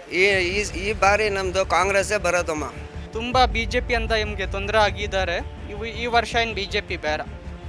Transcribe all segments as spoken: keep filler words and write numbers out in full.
ಈ ಈ ಈ ಬಾರಿ ನಮ್ಮದು ಕಾಂಗ್ರೆಸ್ಸೇ ಬರೋದಮ್ಮ. ತುಂಬ ಬಿ ಜೆ ಪಿ ಅಂತ ನಿಮಗೆ ತೊಂದರೆ ಆಗಿದ್ದಾರೆ. ಇವು ಈ ವರ್ಷ ಏನು ಬಿ ಜೆ ಪಿ ಬೇಡ.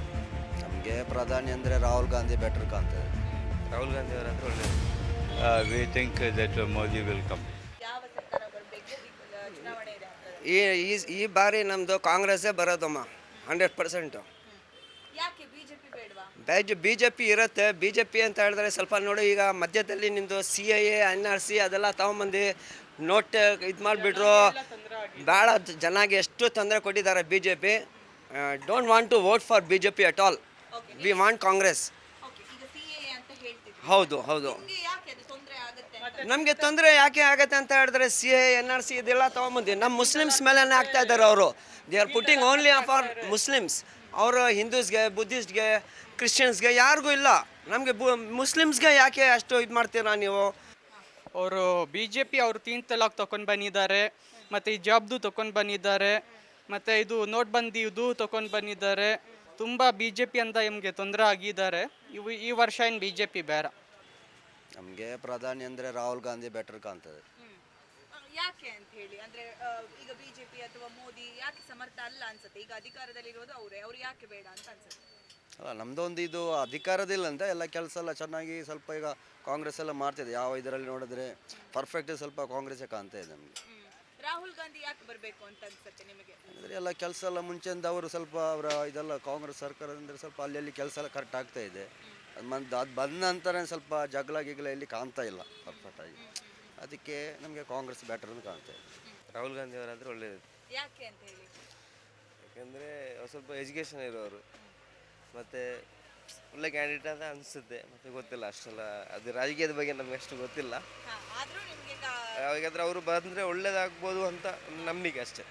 ನಮಗೆ ಪ್ರಧಾನಿ ಅಂದರೆ ರಾಹುಲ್ ಗಾಂಧಿ ಬೆಟರ್ ಕಾಣ್ತದೆ. ರಾಹುಲ್ ಗಾಂಧಿ ಅವರಂದ್ರೆ ಒಳ್ಳೆಯದು. We think that Modi will come. ಯಾವ ಸರ್ಕಾರ ಬರಬೇಕು ಚುನಾವಣೆ ಇದೆ ಈ ಈ ಈ ಬಾರಿ ನಮ್ಮದು ಕಾಂಗ್ರೆಸ್ಸೇ ಬರೋದಮ್ಮ, ಹಂಡ್ರೆಡ್ ಪರ್ಸೆಂಟು. ಯಾಕೆ ಬಿಜೆಪಿ ಬೇಡವಾ? ಬ್ಯಾಜ್ ಬಿ ಜೆ ಪಿ ಇರುತ್ತೆ. ಬಿ ಜೆ ಪಿ ಅಂತ ಹೇಳಿದ್ರೆ ಸ್ವಲ್ಪ ನೋಡಿ, ಈಗ ಮಧ್ಯದಲ್ಲಿ ನಿಮ್ಮದು C A A N R C ಅದೆಲ್ಲ ತೊಗೊಂಬಂದು ನೋಟ್ ಇದು ಮಾಡಿಬಿಟ್ರು. ಭಾಳ ಜನಗೆ ಎಷ್ಟು ತೊಂದರೆ ಕೊಟ್ಟಿದ್ದಾರೆ B J P. Don't want to vote for B J P at all. We want Congress. Okay, ಈಗ ಸಿಎಎ ಅಂತ ಹೇಳ್ತಿದ್ರು. ಹೌದು ಹೌದು ನಿಮ್ಗೆ ಯಾಕೆ ಅದು ತೊಂದರೆ ಆಗುತ್ತೆ ಅಂತ? ನಮಗೆ ತೊಂದರೆ ಯಾಕೆ ಆಗುತ್ತೆ ಅಂತ ಹೇಳಿದ್ರೆ C A N R C ಇದೆಲ್ಲ ತೊಗೊಂಬಂದು ನಮ್ಮ ಮುಸ್ಲಿಮ್ಸ್ ಮೇಲೇ ಆಗ್ತಾ ಇದ್ದಾರೆ ಅವರು. They are putting only for Muslims. ಅವರು ಹಿಂದೂಸ್ಗೆ, ಬುದ್ಧಿಸ್ಟ್ಗೆ, ಕ್ರಿಶ್ಚಿಯನ್ಸ್ಗೆ ಯಾರಿಗೂ ಇಲ್ಲ. ನಮಗೆ ಬು ಮುಸ್ಲಿಮ್ಸ್ಗೆ ಯಾಕೆ ಅಷ್ಟು ಇದು ಮಾಡ್ತೀರಾ ನೀವು? ಅವರು ಬಿ ಜೆ ಪಿ ಅವರು ತೀನ್ ತಲಾಕ್ ತೊಗೊಂಡು ಬಂದಿದ್ದಾರೆ, ಮತ್ತು ಈ ಜಾಬ್ದು ತೊಗೊಂಡು ಬಂದಿದ್ದಾರೆ, ಮತ್ತು ಇದು ನೋಟ್ಬಂದಿ ಇದು ತೊಗೊಂಡು ಬಂದಿದ್ದಾರೆ. ತುಂಬ ಬಿ ಜೆ ಪಿ ಅಂತ ನಿಮಗೆ ತೊಂದರೆ ಆಗಿದ್ದಾರೆ. ಇವು ಈ ವರ್ಷ ಏನು ಬಿ ಜೆ ಪಿ ಬೇಡ. ನಮಗೆ ಪ್ರಧಾನಿ ಅಂದರೆ ರಾಹುಲ್ ಗಾಂಧಿ ಬೆಟರ್ ಕಾಣ್ತದೆ. ಆ, ಯಾಕೆ ಅಂತ ಹೇಳಿ ಅಂದ್ರೆ ಆ, ಈಗ ಬಿಜೆಪಿ ಅಥವಾ ಮೋದಿ ಯಾಕೆ ಸಮರ್ಥ ಅಲ್ಲ ಅನ್ಸುತ್ತೆ? ಈಗ ಅಧಿಕಾರದಲ್ಲಿರೋದು ಅವರೇ, ಅವ್ರು ಯಾಕೆ ಬೇಡ ಅಂತ ಅನ್ಸುತ್ತೆ? ಅಲ್ಲ, ನಮ್ಮದೊಂದು ಇದು ಅಧಿಕಾರದಿಲ್ಲ ಅಂತ ಎಲ್ಲ ಕೆಲಸ ಎಲ್ಲ ಚೆನ್ನಾಗಿ ಸ್ವಲ್ಪ ಈಗ ಕಾಂಗ್ರೆಸ್ ಎಲ್ಲ ಮಾಡ್ತಿದೆ. ಯಾವ ಇದರಲ್ಲಿ ನೋಡಿದ್ರೆ ಪರ್ಫೆಕ್ಟ್ ಸ್ವಲ್ಪ ಕಾಂಗ್ರೆಸ್ಸೇ ಕಾಣ್ತಾ ಇದೆ ನಮಗೆ. ಹ್ಮ್. ರಾಹುಲ್ ಗಾಂಧಿ ಯಾಕೆ ಬರಬೇಕು ಅಂತ ಅನ್ಸುತ್ತೆ ನಿಮಗೆ? ಅಂದರೆ ಎಲ್ಲ ಕೆಲಸ ಎಲ್ಲ ಮುಂಚೆಯಿಂದ ಅವರು ಸ್ವಲ್ಪ ಅವರ ಇದೆಲ್ಲ ಕಾಂಗ್ರೆಸ್ ಸರ್ಕಾರ ಅಂದರೆ ಸ್ವಲ್ಪ ಅಲ್ಲಿ ಕೆಲಸ ಎಲ್ಲ ಕರೆಕ್ಟ್ ಆಗ್ತಾ ಇದೆ. ಅದು ಮಂದ್ ಅದು ಬಂದ ನಂತರ ಸ್ವಲ್ಪ ಜಗಳ ಗಿಗಳ ಎಲ್ಲಿ ಕಾಣ್ತಾ ಇಲ್ಲ ಪರ್ಫೆಕ್ಟಾಗಿ. ಅದಕ್ಕೆ ನಮಗೆ ಕಾಂಗ್ರೆಸ್ ಬೆಟರ್ ಅಂತ ಕಾಣ್ತಾ ಇದೆ. ರಾಹುಲ್ ಗಾಂಧಿ ಅವರಂದ್ರೆ ಒಳ್ಳೆಯದು. ಯಾಕೆ ಅಂತ ಹೇಳಿ? ಯಾಕೆಂದರೆ ಅವ್ರು ಸ್ವಲ್ಪ ಎಜುಕೇಷನ್ ಇರೋರು, ಮತ್ತು ಒಳ್ಳೆ ಕ್ಯಾಂಡಿಡೇಟ್ ಅಂತ ಅನಿಸುತ್ತೆ. ಮತ್ತು ಗೊತ್ತಿಲ್ಲ ಅಷ್ಟೆಲ್ಲ, ಅದು ರಾಜಕೀಯದ ಬಗ್ಗೆ ನಮಗೆ ಅಷ್ಟು ಗೊತ್ತಿಲ್ಲ. ಹಾ, ಆದ್ರೂ ನಿಮ್ಗೆ ಈಗ ಯಾವಾಗಾದ್ರೆ ಅವರು ಬಂದರೆ ಒಳ್ಳೇದಾಗ್ಬೋದು ಅಂತ ಒಂದು ನಂಬಿಕೆ ಅಷ್ಟೇ.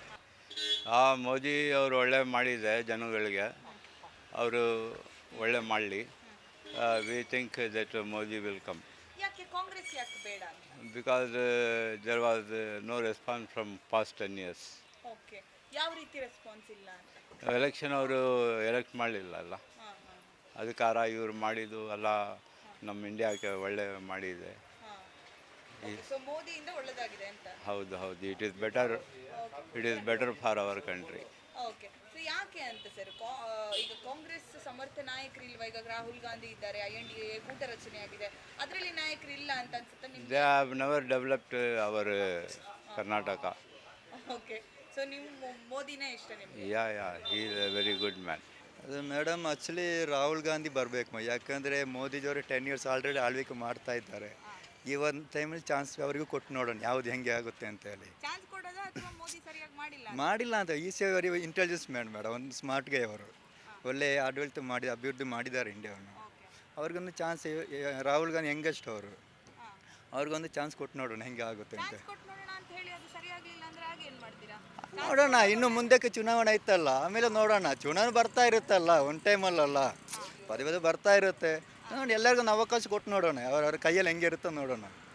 ಆ ಮೋದಿ ಅವರು ಒಳ್ಳೆ ಮಾಡಿದೆ ಜನಗಳಿಗೆ, ಅವರು ಒಳ್ಳೆ ಮಾಡಲಿ. We think that Modi will come. ಯಾಕೆ ಕಾಂಗ್ರೆಸ್ ಯಾಕೆ ಬೇಡ? Because there was no response from past ten years. Okay, ಯಾವ ರೀತಿ ರೆಸ್ಪಾನ್ಸ್ ಇಲ್ಲ ಅಂತ? ಎಲೆಕ್ಷನ್ ಅವರು ಎಲೆಕ್ಟ್ ಮಾಡಲಿಲ್ಲ ಅಲ್ಲ, ಹಾ ಹಾ ಅದಕ್ಕಾರ ಇವರು ಮಾಡಿದ್ದು ಎಲ್ಲ ನಮ್ಮ ಇಂಡಿಯಾಕ್ಕೆ ಒಳ್ಳೆ ಮಾಡಿದೆ. ಹಾ. ಓಕೆ, ಸೊ ಮೋದಿಯಿಂದ ಒಳ್ಳೆದಾಗಿದೆ ಅಂತ? ಹೌದು ಹೌದು, it is better, it is better for our country. Okay, so ಯಾಕೆ ಅಂತ ಸರ್? ಈಗ ಕಾಂಗ್ರೆಸ್ ಸಮರ್ಥ ನಾಯಕರು ಇಲ್ವಾ? ಈಗ ರಾಹುಲ್ ಗಾಂಧಿ ಇದ್ದಾರೆ, ಐ ಎನ್ ಡಿ ಎ ಕೂಟ ರಚನೆ ಆಗಿದೆ, ಅದರಲ್ಲಿ ನಾಯಕರು ಇಲ್ಲ ಅಂತ ಅನ್ಸುತ್ತೆ ನಿಮ್ಗೆ? They have never developed our Karnataka. Okay, so ನೀವು ಮೊ- ಮೋದಿನೇ ಇಷ್ಟ ನಿಮ್ಗೆ? Yeah yeah he is a very good man. ಅದು ಮೇಡಮ್ ಆ್ಯಕ್ಚುಲಿ ರಾಹುಲ್ ಗಾಂಧಿ ಬರಬೇಕು. ಯಾಕಂದರೆ ಮೋದಿಜಿಯವರು ಟೆನ್ ಇಯರ್ಸ್ ಆಲ್ರೆಡಿ ಆಳ್ವಿಕೆ ಮಾಡ್ತಾ ಇದ್ದಾರೆ. ಈ ಒಂದು ಟೈಮಲ್ಲಿ ಚಾನ್ಸ್ ಅವರಿಗೂ ಕೊಟ್ಟು ನೋಡೋಣ ಯಾವುದು ಹೆಂಗೆ ಆಗುತ್ತೆ ಅಂತ ಹೇಳಿ. ಚಾನ್ಸ್ ಕೊಡೋದಾ ಅಥವಾ ಮೋದಿ ಸರಿಯಾಗಿ ಮಾಡಿಲ್ಲ ಅಂತ? ಮಾಡಿಲ್ಲ ಅಂತ ಈ ಸಿ ವೆರಿ ಇಂಟೆಲಿಜೆನ್ಸ್ ಮ್ಯಾನ್ ಮೇಡಮ್, ಒಂದು ಸ್ಮಾರ್ಟ್ ಗೈ ಅವರು. ಒಳ್ಳೆ ಆಡಳಿತ ಮಾಡಿ ಅಭಿವೃದ್ಧಿ ಮಾಡಿದ್ದಾರೆ ಇಂಡಿಯಾವನ್ನು. ಅವ್ರಿಗೊಂದು ಚಾನ್ಸ್, ರಾಹುಲ್ ಗಾಂಧಿ ಹೆಂಗಷ್ಟು ಅವರು, ಅವ್ರಿಗೊಂದು ಚಾನ್ಸ್ ಕೊಟ್ಟು ನೋಡೋಣ ಹೆಂಗೆ ಆಗುತ್ತೆ ಅಂತ. ಚಾನ್ಸ್ ಕೊಟ್ಟು ನೋಡೋಣ ಅಂತ ಹೇಳಿ ಅದು ಸರಿಯಾಗ್ಲಿಲ್ಲ ಅಂದ್ರೆ ಆಗ ಏನು ಮಾಡ್ತೀರಾ? ನೋಡೋಣ, ಇನ್ನು ಮುಂದಕ್ಕೆ ಚುನಾವಣೆ ಐತಲ್ಲ, ಆಮೇಲೆ ನೋಡೋಣ. ಚುನಾವಣೆ ಬರ್ತಾ ಇರುತ್ತಲ್ಲ, ಒಂದು ಟೈಮಲ್ಲಲ್ಲ, ಪದೇ ಪದೇ ಬರ್ತಾ ಇರುತ್ತೆ. ನೋಡಿ, ಎಲ್ಲರಿಗೂ ಒಂದು ಅವಕಾಶ ಕೊಟ್ಟು ನೋಡೋಣ, ಅವ್ರವ್ರ ಕೈಯಲ್ಲಿ ಹೆಂಗೆ ಇರುತ್ತೋ ನೋಡೋಣ.